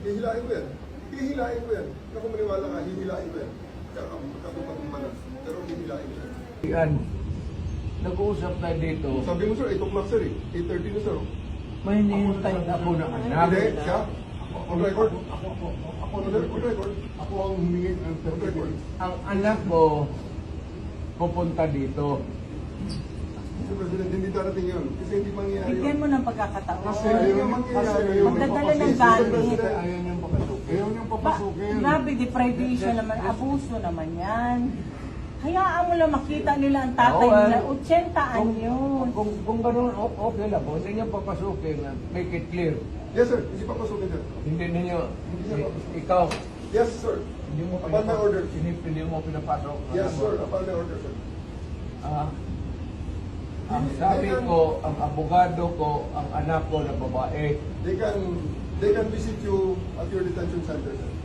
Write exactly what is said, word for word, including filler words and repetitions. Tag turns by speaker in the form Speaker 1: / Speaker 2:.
Speaker 1: Hihilain ko yan. Hihilain ko yan. Kung ako maniwala ka, hihilain ko yan. Kakatupat ng mana. Pero hihilain ko yan.
Speaker 2: Yan. Nag-uusap tayo dito.
Speaker 1: Sabi mo sir, eight o'clock sir eh. eight thirty na sir.
Speaker 2: May hinihintay ako na anak.
Speaker 1: Hindi, siya? On record?
Speaker 3: Ako, ako, ako,
Speaker 1: On record? On record?
Speaker 3: ako ang humingi ng
Speaker 1: On record?
Speaker 2: Ang anak ko pupunta dito.
Speaker 1: Mister President, hindi darating yun. Kasi hindi mangyayari
Speaker 4: Bigyan
Speaker 1: yun.
Speaker 4: mo ng pagkakataon.
Speaker 1: Kasi ayaw mangyayari yun.
Speaker 4: Magdadala ng
Speaker 1: Mister
Speaker 4: gamit.
Speaker 1: President,
Speaker 3: Ayaw niyang papasukin. Ayaw niyang
Speaker 4: Ba,
Speaker 3: papasukin.
Speaker 4: grabe, deprivation naman, abuso naman yan. Hayaan mo lang makita nila ang tatay
Speaker 2: Oo,
Speaker 4: nila,
Speaker 2: ah.
Speaker 4: eighty
Speaker 2: Kung,
Speaker 4: anyos.
Speaker 2: kung, kung ganun, o- okay lang. Kung hindi niyo papasukin, make it clear.
Speaker 1: Yes sir, hindi papasukin sir.
Speaker 2: Hindi ninyo,
Speaker 1: Hindi niya papasukin.
Speaker 2: ikaw,
Speaker 1: Yes sir.
Speaker 2: hindi mo
Speaker 1: Upon my order.
Speaker 2: Hindi, hindi mo pinapasok.
Speaker 1: Yes
Speaker 2: Alam mo.
Speaker 1: sir, upon my order sir.
Speaker 2: Ah, ang sabi ko, ang abogado ko, ang anak ko na babae,
Speaker 1: They can, they can visit you at your detention center sir.